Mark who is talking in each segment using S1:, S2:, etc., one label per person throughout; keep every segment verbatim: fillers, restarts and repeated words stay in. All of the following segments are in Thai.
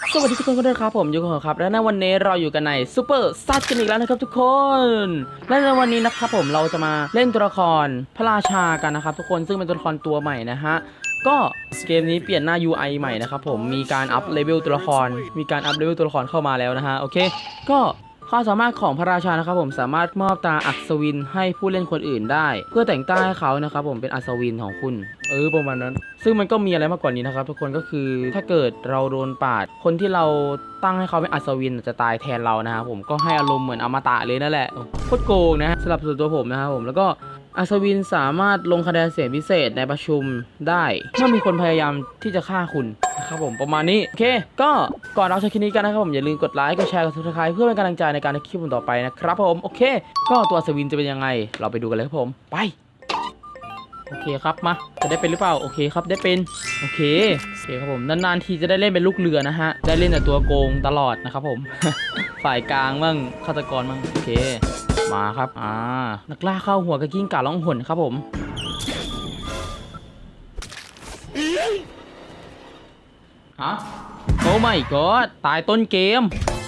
S1: สวัสดีทุกคนกันด้วยครับผมยูโกะครับและในวันนี้เราอยู่กันในซูเปอร์ซัดกันอีกแล้วนะครับทุกคนและในวันนี้นะครับผมเราจะมาเล่นตัวละครพระราชากันนะครับทุกคนซึ่งเป็นตัวละครตัวใหม่นะฮะก็เกมนี้เปลี่ยนหน้า ยู ไอ ใหม่นะครับผมมีการอัพเลเวลตัวละครมีการอัพเลเวลตัวละครเข้ามาแล้วนะฮะโอเคก็ความสามารถของพระราชานะครับผมสามารถมอบตราอัศวินให้ผู้เล่นคนอื่นได้เพื่อแต่งตั้งให้เขานะครับผมเป็นอัศวินของคุณเออประมาณนั้นซึ่งมันก็มีอะไรมากกว่านี้นะครับทุกคนก็คือถ้าเกิดเราโดนปาดคนที่เราตั้งให้เขาเป็นอัศวินจะตายแทนเรานะครับผมก็ให้อารมณ์เหมือนอมตะเลยนั่นแหละโคตรโกงนะสำหรับส่วนตัวผมนะครับผมแล้วก็อัศวินสามารถลงคะแนนเสียงพิเศษในประชุมได้เมื่อมีคนพยายามที่จะฆ่าคุณนะครับผมประมาณนี้โอเคก็ก่อนเราใช้คลิปนี้กันนะครับผมอย่าลืมกดไลค์กดแชร์กดซับสไครป์เพื่อเป็นกำลังใจในการทำคลิปต่อไปนะครับผมโอเคก็ตัวอัศวินจะเป็นยังไงเราไปดูกันเลยครับผมไปโอเคครับมาจะได้เป็นหรือเปล่าโอเคครับได้เป็นโอเคโอเคครับผมนานๆทีจะได้เล่นเป็นลูกเรือนะฮะได้เล่นแต่ตัวโกงตลอดนะครับผม ฝ่ายกลางมั่งฆาตกรมั่งโอเคมาครับอ่านักล่าเข้าหัวกระกิ้งก่าล่องหนครับผมฮะโอ้ไม่ก็ตายต้นเกม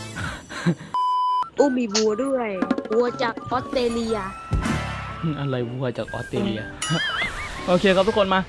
S2: อู้มีวัวด้วยวัวจากออสเตรเลีย
S1: อะไรวัวจากออสเตรเลีย โอเคครับทุกคนมา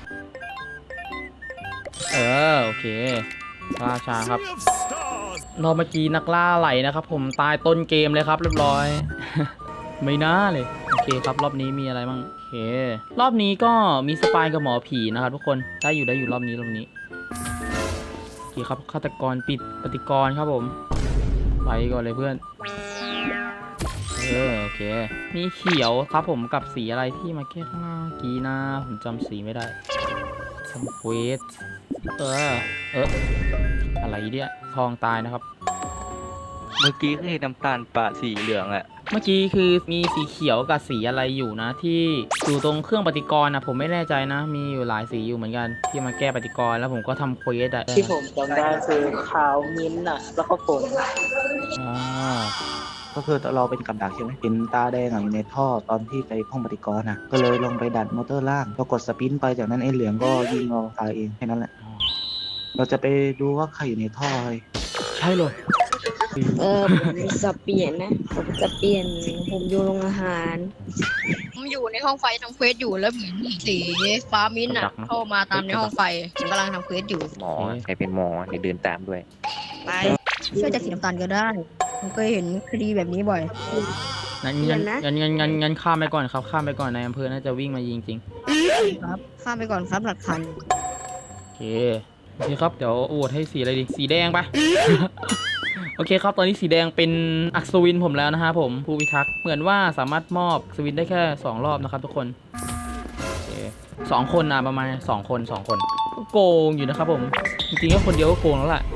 S1: เออโอเคราชาครับรอบเมื่อกี้นักล่าไหลนะครับผมตายต้นเกมเลยครับเรียบร้อย ไม่น่าเลยโอเคครับรอบนี้มีอะไรบ้างโอเครอบนี้ก็มีสปายกับหมอผีนะครับทุกคนได้อยู่ได้อยู่รอบนี้รอบนี้โอเคครับฆาตกรปิดปฏิกรครับผมไปก่อนเลยเพื่อนเออโอเคมีเขียวครับผมกับสีอะไรที่มาแก้ข้างล่างกีนาผมจำสีไม่ได้ทำเควสเออเอออะไรเนี่ยทองตายนะครับ
S3: เมื่อกี้คือน้ำตาลปะสีเหลืองอะ
S1: เมื่อกี้คือมีสีเขียวกับสีอะไรอยู่นะที่อยู่ตรงเครื่องปฏิกรณ์นะผมไม่แน่ใจนะมีอยู่หลายสีอยู่เหมือนกันที่มาแก้ปฏิกรณ์แล้วผมก็ทำเควสอะ
S4: ที่ผมจำได้คือขาวมิ้นท์อ่ะแล้วก็ผม
S1: อ่า
S5: ก็คือเราเป็นกับดักใช่ไหมเป็นตาแดงอะอยู่ในท่อตอนที่ไปห้องปฏิกรณ์นะก็เลยลงไปดันมอเตอร์ล่างก็กดสปินไปจากนั้นไอ้เหลืองก็ยิงเราตายเองแค่นั้นแหละเราจะไปดูว่าใครอยู่ในท่อเลย
S1: ใช่เลย
S2: เออผมจะเปลี่ยนนะผมจะเปลี่ยนผมอยู่โรงอาหาร
S6: ผมอยู่ในห้องไฟทำเควสอยู่แล้วเห็นสีฟ้ามิ้นท์อ่ะเข้ามาตามในห้องไฟผมกำลังทำเควสอยู่
S3: หมอใครเป็นหมอเดี๋ยวเดินตามด้วย
S6: ไปช่วยจากสีน้ำตาลก็ได้ผมเคยเห็นคดีแบบนี้บ่อย
S1: งั้นงั้นงั้นงั้นงั้นงั้นข้ามไปก่อนครับข้ามไปก่อนในอำเภอน่าจะวิ่งมายิงจริง
S6: ครับข้ามไปก่อนครับหลักฐาน
S1: โอเคโอเคครับเดี๋ยวโหวตให้สีอะไรดีสีแดงปะ โอเคครับตอนนี้สีแดงเป็นอัศวินผมแล้วนะฮะผมผู้พิทักษ์เหมือนว่าสามารถมอบอัศวินได้แค่สองรอบนะครับทุกคนโอเคสองคนนะประมาณสองคนสองคนก็โกงอยู่นะครับผมจริงๆก็คนเดียวก็โกงแล้วแหละ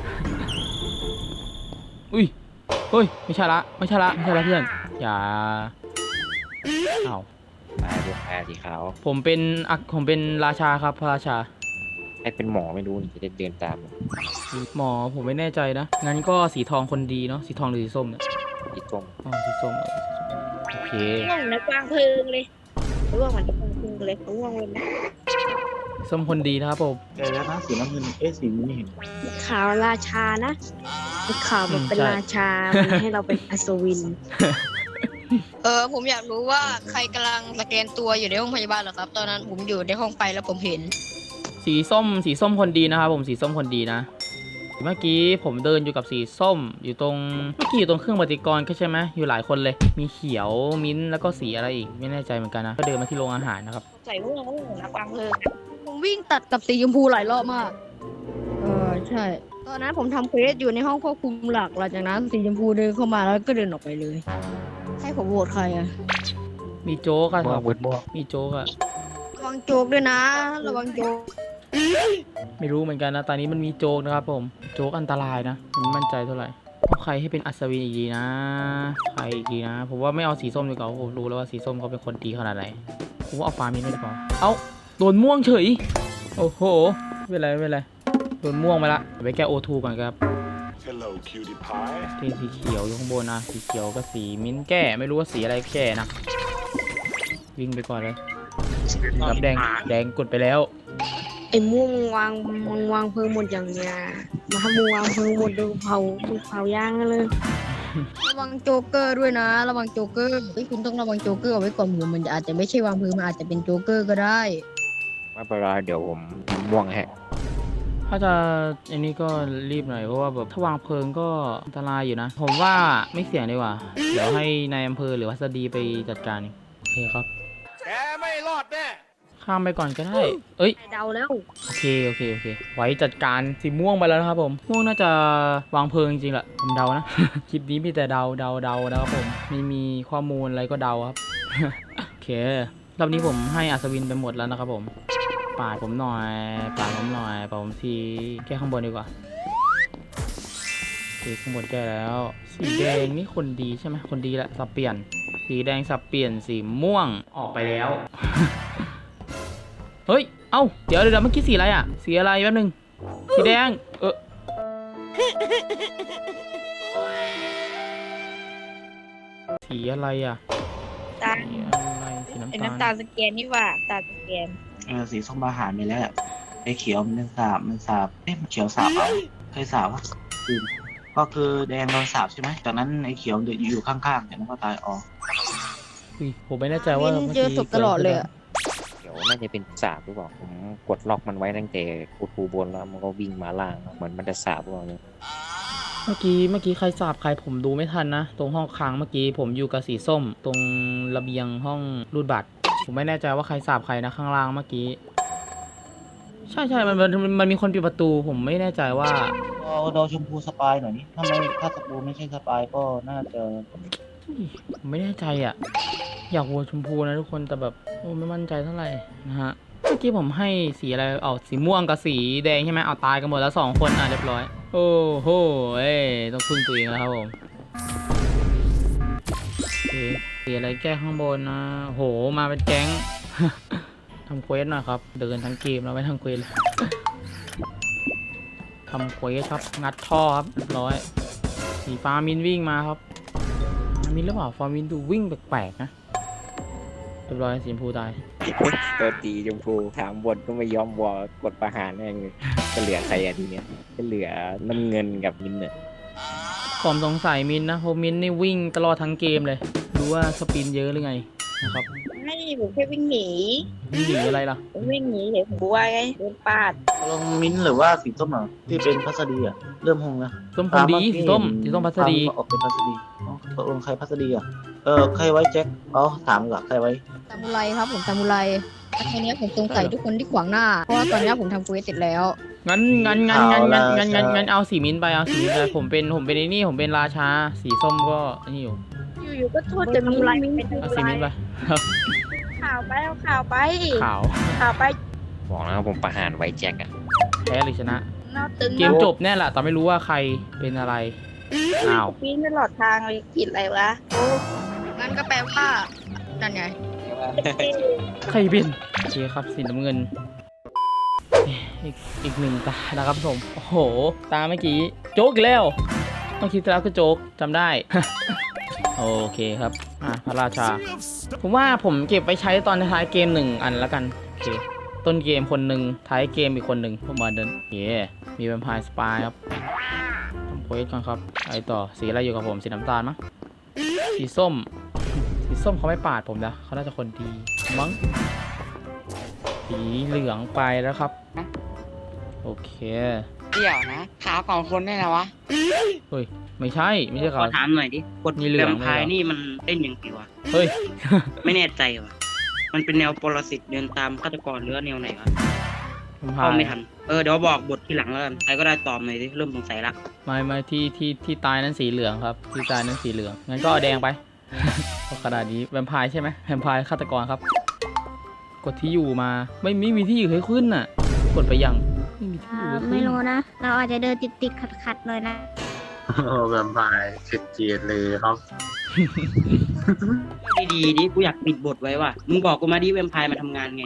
S1: อุ้ยเฮ้ยไม่ใช่ละไม่ใช่ละไม่ใช่ละเพื่อนอย่าอ้าว
S3: มาดูแอร์สีขาว
S1: ผมเป็นอักผมเป็นราชาครับพระราชา
S3: ใครเป็นหมอไม่รู้จะเดินตาม
S1: หมอผมไม่แน่ใจนะงั้นก็สีทองคนดีเนาะสีทองหรือสีส้มเนี่ย
S3: อีกส้ม
S1: อ๋อสีส้มเออสีส้มโอเค
S2: ง่วงนะกลางเพลิงเลยร่วงมันจะกลางเพลิงเลยร่วงเลยนะ
S1: ส้มคนดีนะครับผม
S5: แต่แล้วนะสีน้ำเงินเอ๊ะสีนี้ไม่เห็น
S2: ขาวราชานะขาวแบบเป็นราชามันให้เราเป็นอัศวิน
S6: เออผมอยากรู้ว่าใครกำลังสแกนตัวอยู่ในห้องพยาบาลเหรอครับ ตอนนั้นผมอยู่ในห้องไฟแล้วผมเห็น
S1: สีส้มสีส้มคนดีนะครับผมสีส้มคนดีนะเมื่อกี้ผมเดินอยู่กับสีส้มอยู่ตรงเมื่อกี้อยู่ตรงเครื่องปฏิกรณ์ก็ใช่ไหมอยู่หลายคนเลยมีเขียวมิ้นท์แล้วก็สีอะไรอีกไม่แน่ใจเหมือนกันนะก็เดินมาที่โรงอาหารนะครับ
S2: ใส่ร่วงร่วงนะกลางเพลิง
S6: ผมวิ่งตัดกับสีชมพูหลายรอบมาก เออใช่ ตอนนั้นผมทำเควสอยู่ในห้องควบคุมหลักหลังจากนั้นสีชมพูเดินเข้ามาแล้วก็เดินออกไปเลย ให้ผมโหวตใครอะ
S1: มีโจ๊กอะค
S3: ม่ว
S1: รั
S3: ง
S1: บ
S3: เวิร์ดม่วง
S1: มีโจ๊กอะ
S6: ระวังโจกด้วยนะ ระวังโจก
S1: ไม่รู้เหมือนกันนะตอนนี้มันมีโจ๊กนะครับผมโจ๊กอันตรายนะผมไม่มั่นใจเท่าไหร่เอาใครให้เป็นอัศวินอีกดีนะใครอีกดีนะผมว่าไม่เอาสีส้มดีกว่าผมรู้แล้วว่าสีส้มเขาเป็นคนดีขนาดไหนผมว่าเอาฟ้ามินท์ดีกว่าเอาโดนม่วงเฉยโอ้โหไม่เป็นไรไม่เป็นไรโดนม่วงไปละไปแก้โอทูก่อนครับ
S7: Hello, cutie pie.
S1: เทสีเขียวอยู่ข้างบนนะสีเขียวกับสีมิ้นท์แก้ไม่รู้ว่าสีอะไรแก้นะวิ่งไปก่อนเลยครับแดงแดงกดไปแล้ว
S2: ไอ้ม่วงมึงวางมึงวางเพลิงหมดอย่างเนี้ยมาถ้ามึงวางเพลิงหมดดูเผาดูเผาย่างกันเลย
S6: ระวังโจ๊กเกอร์ด้วยนะ ระวังโจ๊กเกอร์เฮ้ยคุณต้องระวังโจ๊กเกอร์เอาไว้ก่อนผมมันอาจจะไม่ใช่วางเพลิงมันอาจจะเป็นโจ๊กเกอร์ก็ได้
S3: ไม่เป็นไรเดี๋ยวผมม่วงให้
S1: ถ้าจะอันนี้ก็รีบหน่อยเพราะว่าแบบถ้าวางเพลิงก็อันตรายอยู่นะ ผมว่าไม่เสี่ยงดีกว่า เดี๋ยวให้นายอำเภอหรือวัสดีไปจัดการเองโอเคครับ
S7: แกไม่รอดแน่
S1: ข้ามไปก่อนก็ได้ เอ้ย
S2: เดาแล้ว
S1: โอเค โอเค โอเค ไว้จัดการสีม่วงไปแล้วนะครับผม ม่วงน่าจะวางเพลิงจริงๆแหละ ผมเดานะ คลิปนี้มีแต่เดาเดาเดานะครับผม ไม่มีข้อมูลอะไรก็เดาครับ โอเค รอบนี้ผมให้อัศวินไปหมดแล้วนะครับผม ปาดผมหน่อย ปาดผมหน่อย ปาดผมทีแก้ข้างบนดีกว่าโอเคข้างบนแก้แล้ว สีแดงนี่คนดีใช่ไหมคนดีแหละสับเปลี่ยน สีแดงสับเปลี่ยน สีม่วงออกไปแล้ว เฮ้ย เอ้า เดี๋ยวเดี๋ยวเมื่อกี้สีอะไรอ่ะ สีอะไรแป๊บนึง สีแดง เออสีอะไรอ่ะ
S2: ตา
S1: สีอะไร สีน้ำ
S2: ไอ้
S1: ตาล
S2: น้ำตาลสแกนนี่ว่าตาลสแกน
S5: เออสีส้มอาหารไปแล้วไอ้เขียวมันเป็นสาบมันสาบเอ๊ะมันเขียวสาบเอาเคยสาบวะอืมก็คือแดงโดนสาบใช่ไหมจากนั้นไอ้เขียวอยู่ข้างๆจากนั้นก็ตายออก
S1: อุ้ยผมไม่แน่ใจว่า
S6: เล่น
S1: มื่
S6: เจอศพตลอดเลยอะ
S3: เดี๋ยวน่าจะเป็นสาบหรือเปล่าผมกดล็อกมันไว้ตั้งแต่กูทูบนแล้วมันก็วิ่งมาล่างเหมือนมันจะสาบหรือเปล่าเนี่ย
S1: เมื่อกี้เมื่อกี้ใครสาบใครผมดูไม่ทันนะ ตรงห้องค้างเมื่อกี้ผมอยู่กับสีส้ม ตรงระเบียงห้องรูดบัตร ผมไม่แน่ใจว่าใครสาบใครนะข้างล่างเมื่อกี้ ใช่ใช่มันมันมันมีคนปิดประตู ผมไม่แน่ใจว่า
S5: เอาดอชมพูสปายหน่อยนี่ถ้าไม่ถ้าสปูไม่ใช่สปายก็น่าจะ
S1: ผมไม่แน่ใจอ่ะ อยากวัวชมพูนะทุกคนแต่แบบโอ้ไม่มั่นใจเท่าไหร่นะฮะเมื่อกี้ผมให้สีอะไรเอาสีม่วงกับสีแดงใช่ไหมเอาตายกันหมดแล้วสองคนอ่ะเรียบร้อย โอ้โหเอ้ยต้องพึ่งตัวเองแล้วครับผมโอเคสีอะไรแก้ข้างบนนะโหมาเป็นแก๊ง ทำเควสหน่อยครับเดินทั้งเกมแล้วไม่ทั้งเควสเลย ทำเควสครับงัดท่อครับเรียบร้อยสีฟ้ามินวิ่งมาครับมินหรือเปล่าฟามินดูวิ่งแปลกๆนะเรียบร้อยสีชมพูตาย
S3: ตัวตีชมพูถามบนก็ไม่ยอมวอลกดประหารแม่งเลยจะเหลือใครอะทีเนี้ยจะเหลือน้ำเงินกับมินเนี่ย
S1: ผมสงสัยมินนะเพราะมินนี่วิ่งตลอดทั้งเกมเลยดูว่าสปินเยอะหรือไงนะครับ
S2: ไม่ผมแค่วิ่งหนี
S1: วิ่งหนีอะไรล่ะ
S2: ผมวิ่งหนีเห็นบัวไงโดนปาด
S5: ลงมิ้นท์หรือว่าสีส้มอ่ะที่เป็นพัสดีอ่ะเริ่มหงนะ
S1: ส้มคนดีสีส้มสีส้มพัสดี
S5: ตามออกเป็นพัสดีอ๋อตกลงใครพัสดีอ่ะเออใครไว้แจ็คอ๋อถามก่อนใครไว้
S6: ซามูไรครับผมซามูไรแต่ทีเนี้ยผมสงสัยทุกคนที่ขวางหน้า เพราะว่าตอนเนี้ยผมทำเควสเสร็จแล้ว
S1: งั้นงั้นงั้นงั้นงั้นงั้นงั้นงั้นเอาสีมินไปเอาสีมินไปผมเป็นผมเป็นไอ้นี่ผมเป็นราชาสีส้มก็ไอ้นี่อยู่
S2: อยู่ๆก็โทษจะมีอะไรเป็น
S1: เอาสีมินไปครับ
S2: ข่าวไปเอาข่าวไป
S1: ขาว
S2: ข่าวไป
S3: บอกแล้วผมประหารไว้แจ็คอะ
S1: แพ้หรือชนะ
S2: นอกตึง
S1: เกมจบแน่แหละแต่ไม่รู้ว่าใครเป็นอะไรอ้าว
S2: ปีนตลอดทางเลยผิดอะไรวะโอ้
S6: นั่นก็แปลว่านั่นไง
S1: ใครเป็นโอเคครับสีน้ำเงินอีกอีกหนึ่งตานะครับผมโอ้โหตาเมื่อกี้โจ๊กอีกแล้วเมื่อกี้ที่แล้วก็โจ๊กจำได้ โอเคครับอ่ะพระราชา ผมว่าผมเก็บไปใช้ตอนท้ายเกมหนึ่งอันแล้วกันโอเคต้นเกมคนหนึ่งท้ายเกมอีกคนหนึ่งผมมาเดินโอเคมีแวมไพร์สปายครับทำเควสก่อนครับไปต่อสีอะไรอยู่กับผมสีน้ำตาลมั้งสีส้ม สีส้มเขาไม่ปาดผมนะเขาน่าจะคนดีมั้งสีเหลืองไปแล้วครับโอเค
S8: เดี๋ยวนะขาวของคนได้แล้ววะ
S1: เฮ้ยไม่ใช่ไม่ใช่
S8: ข
S1: เขา
S8: อถามหน่อยดิกด
S1: มีเหลื
S8: แว
S1: อง
S8: มไพร์
S1: เลยเหรอ
S8: นี่มันเล่นยังไงวะ
S1: เฮ้ย
S8: ไม่แน่ใจวะมันเป็นแนวปรสิตเดินตามฆาตกรหรือว่าแนวไหนวะ
S1: ผม
S8: เข้าไม่ทันเออเดี๋ยวบอกบททีหลังแล้วกันใครก็ได้ตอบหน่อยดิเริ่มสงสัยละ
S1: ไม่ไม่ที่ที่ที่ตายนั้นสีเหลืองครับที่ตายนั้นสีเหลืองงั้นก็เอาแดงไป เพราะขนาดนี้แวมไพร์ใช่ไหมแวมไพร์ฆาตกรครับ กดที่อยู่มาไม่ไม่มีที่อยู่ให้ขึ้นน่ะ กดไปยังไม่มีที่อยู่ให้ขึ้น
S9: ไม่รู้นะ เราอาจจะเดินติดติดขัดขัดๆหน่อยนะ
S4: โอ้แวมไพร์เจ็ดเจียดเลยครับ
S8: ดีๆดิกูอยากปิดบทไว้ว่ะมึงบอกกูมาดิแวมไพร์มาทำงานไง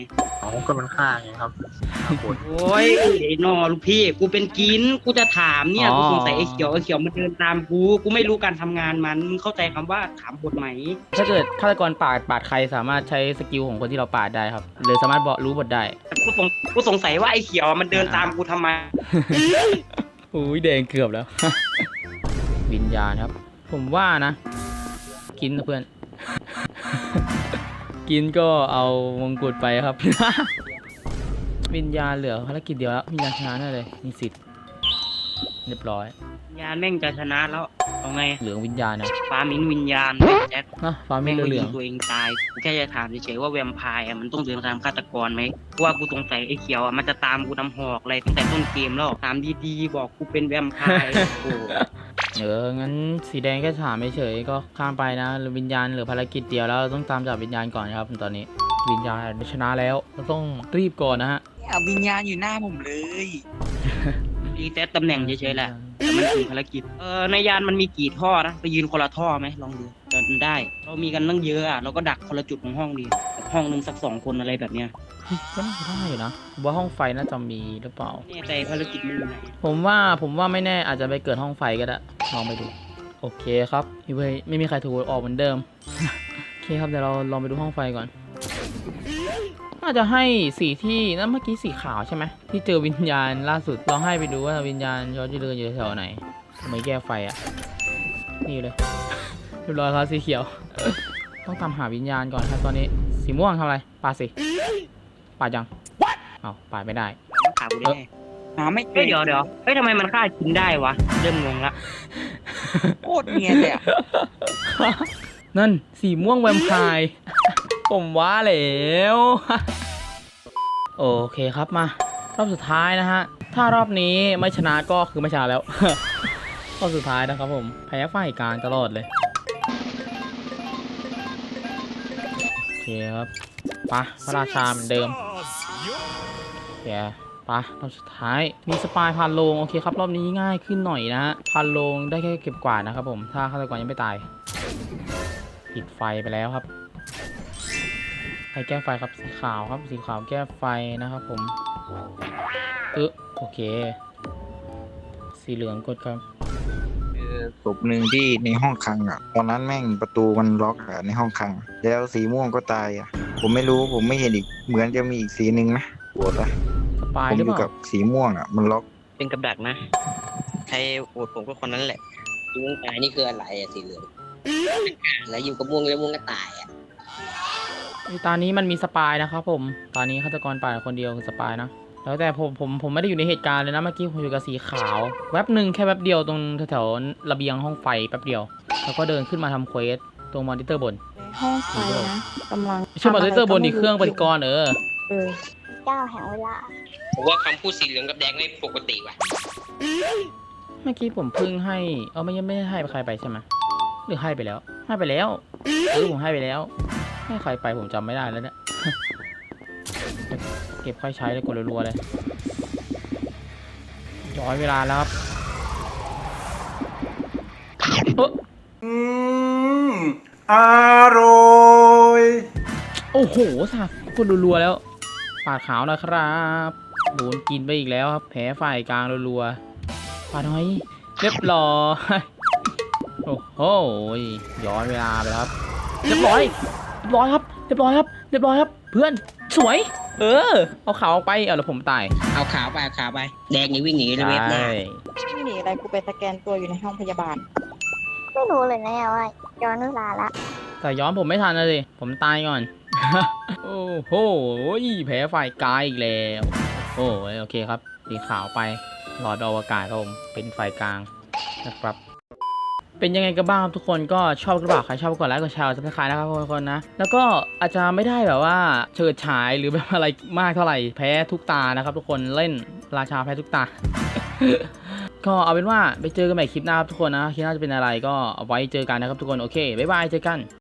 S4: อ๋อก็มันฆ่าไงครับฆ่าคน
S8: โอ้ยไอ้นอลูกพี่กูเป็นกินกูจะถามเนี่ยกูสงสัยไอ้เขียวไอ้เขียวมันเดินตามกูกูไม่รู้การทำงานมันมึงเข้าใจคำว่าถามบทไหม
S1: ถ้าเกิดฆาตกรปาดปาดใครสามารถใช้สกิลของคนที่เราปาดได้ครับหรือสามารถบอกรู้บทได้
S8: กูสงกูสงสัยว่าไอ้เขียวมันเดินตามกูทำไม
S1: อุ้ยแดงเกือบแล้ว วิญญาณครับ ผมว่านะ กินนะเพื่อน กินก็เอามงกุฎไปครับ วิญญาณเหลือภารกิจเดียวแล้ววิญญาณชนะแน่เลยมีสิทธิ์เรียบร้อย
S8: วิญญาณแม่งจะชนะแล้วเอาไง
S1: เหลืองวิญญาณนะ
S8: ฟ้ามิ้นวิญญาณแจ็ค
S1: นะฟ้าไม่
S8: แม่ง
S1: เหลื
S8: ยิ
S1: อง ง
S8: ตัวเองตายกูแค่จะถามเฉยๆว่าแวมไพร์อะมันต้องเดินตามฆาตกรไหมเพราะว่ากูสงสัยไอ้เขียวอะมันจะตามกูนำหอกอะไรตั้งแต่ต้นเกมแล้วถามดีๆบอกกูเป็นแวมไพร์โอ้
S1: เอองั้นสีแดงแค่ถามเฉยๆก็ข้ามไปนะหรือวิญญาณเหลือภารกิจเดียวแล้วเราต้องตามจับวิญญาณก่อนนะครับตอนนี้วิญญาณชนะแล้วเราต้องรีบก่อนนะฮะ
S10: เอาวิญญาณอยู่หน้าผมเลย
S8: รีเซ็ตตำแหน่งเฉยๆแหละแต่มันคือภารกิจเออในยานมันมีกี่ท่อนะไปยืนคนละท่อไหมลองดูจะได้ เรามีกันตั้งเยอะอะเราก็ดักคนละจุดของห้องดีแบบห้องหนึงสักสองคนอะไรแบบเนี้ย
S1: ก็น่าจะได้อยู่นะผมว่าห้องไฟน่าจะมีหรือเปล่า
S8: แน่ใจภารกิจมันอยู่ไหน
S1: ผมว่าผมว่าไม่แน่อาจจะไปเกิดห้องไฟก็ได้ลองไปดูโอเคครับพี่เว้ยไม่มีใครถูกออกเหมือนเดิม โอเคครับเดี๋ยวเราลองไปดูห้องไฟก่อนน่าจะให้สีที่นั่นเมื่อกี้สีขาวใช่ไหมที่เจอวิญญาณล่าสุดลองให้ไปดูว่าวิญญาณเขาจะเดินอยู่แถวไหนไม่แก้ไฟอ่ะนี่เลย เรียบร้อยครับสีเขียว ต้องตามหาวิญญาณก่อนครับตอนนี้สีม่วงทำอะไรปาดสิปาดยังเอาปาดไม่ได้
S8: มันขากูได้ไง
S10: หาไม่เจ
S8: เฮ้ย
S10: อ
S8: เดี๋ยวเดี๋ยวเฮ้ยทำไมมันฆ่ากินได้วะเริ่มงงละ
S10: โคตรเนียนเลยอะ
S1: นั่นสีม่วงแวมไพร์ ผมว่าแล้ว โอเคครับมารอบสุดท้ายนะฮะถ้ารอบนี้ไม่ชนะก็คือไม่ชนะแล้ว รอบสุดท้ายนะครับผมแพ้ฝ่ายกลางตลอดเลยโอเคครับไปะพระราชาเหมือนเดิมแกปะรอบสุดท้ายมีสปายพันโลงโอเคครับรอบนี้ง่ายขึ้นหน่อยนะฮะพันโลงได้แค่เก็บกวาดนะครับผมถ้าฆาตกรยังไม่ตายปิดไฟไปแล้วครับใครแก้ไฟครับสีขาวครับสีขาวแก้ไฟนะครับผมเออโอเคสีเหลืองกดครับ
S11: ศพหนึ่งที่ในห้องคลังอ่ะ ตอนนั้นแม่งประตูมันล็อกอ่ะในห้องคลัง แล้วสีม่วงก็ตายอ่ะ ผมไม่รู้ผมไม่เห็นอีกเหมือนจะมีอีกสีหนึ่งนะปวดอ่ะ
S1: สปาย
S11: ผม
S1: หรือ
S11: อ
S1: เป
S11: ยู่
S1: ล่า
S11: กับสีม่วงอ่ะมันล็อก
S8: เป็นกับดักนะ ใครโหวตผมก็คนนั้นแหละม่วงตายนี่คืออะไรอะสีเหลืองแล้วอยู่กับม่วงแล้วม่วงก็ตายอะ
S1: ไอ้ตอนนี้มันมีสปายนะครับผมตอนนี้ฆาตกรป่าดคนเดียวคือสปายนะแล้วแต่ผมผมผมไม่ได้อยู่ในเหตุการณ์เลยนะเมื่อกี้ผมอยู่กับสีขาวแวบหนึ่งแค่แวบเดียวตรงแถวๆระเบียงห้องไฟแป๊บเดียวแล้วก็เดินขึ้นมาทำเควสตรงมอนิเตอร์บน
S2: ห้องไฟนะกำลัง
S1: ไม่ใช่มอนิเตอร์บนนี่เครื่องปฏิกรณ์เออ
S2: เออ
S9: เจ้าแห่งเวลา
S8: ผมว่าคำพูดสีเหลืองกับแดงไม่ปกติว่ะ
S1: เมื่อกี้ผมเพิ่งให้เออไม่ยังไม่ได้ให้ใครไปใช่ไหมหรือให้ไปแล้วให้ไปแล้วเออผมให้ไปแล้วให้ใครไปผมจำไม่ได้แล้วเนี่ย เก็บค่อยใช้เลยกดรัวๆเลยย้อนเวลาแล้วครับเออ
S7: อืมอร่อย
S1: โอ้โหสักกดรัวๆแล้วปาดขาวนะครับโดนกินไปอีกแล้วครับแผลฝ่ายกลางรัวๆปาดน้อยเรียบร้อยโอ้โหย้อนเวลาไปแล้วครับเรียบร้อยเรียบร้อยครับเรียบร้อยครับเรียบร้อยครับเพื่อนสวยเออเอาขาวออกไปเอาแล้วผมตาย
S8: เอาขาวไปเอาขาวไป แดงนี่วิ่งหนีเลยเว็บหน้า
S2: ไม่หนีอะไรกูไปสแกนตัวอยู่ในห้องพยาบาล
S9: ไม่รู้เลยนะว่าย้อนเวลาละ
S1: แต่ย้อนผมไม่ทันนะสิผมตายก่อน โอ้โหแผลฝ่ายกายอีกแล้วโอ้ยโอเคครับสีขาวไปหลอดอวกาศครับผมเป็นฝ่ายกลางนะครับเป็นยังไงกันบ้างครับทุกคนก็ชอบหรือเปล่าใครชอบกดไลค์กดแชร์ซับสไครต์นะครับทุกคนนะแล้วก็อาจจะไม่ได้แบบว่าเฉิดฉายหรือแบบอะไรมากเท่าไหร่แพ้ทุกตานะครับทุกคนเล่นราชาแพ้ทุกตา ก็เอาเป็นว่าไปเจอกันใหม่คลิปหน้าครับทุกคนนะคลิปหน้าจะเป็นอะไรก็เอาไว้เจอกันนะครับทุกคนโอเคบ๊ายบายเจอกัน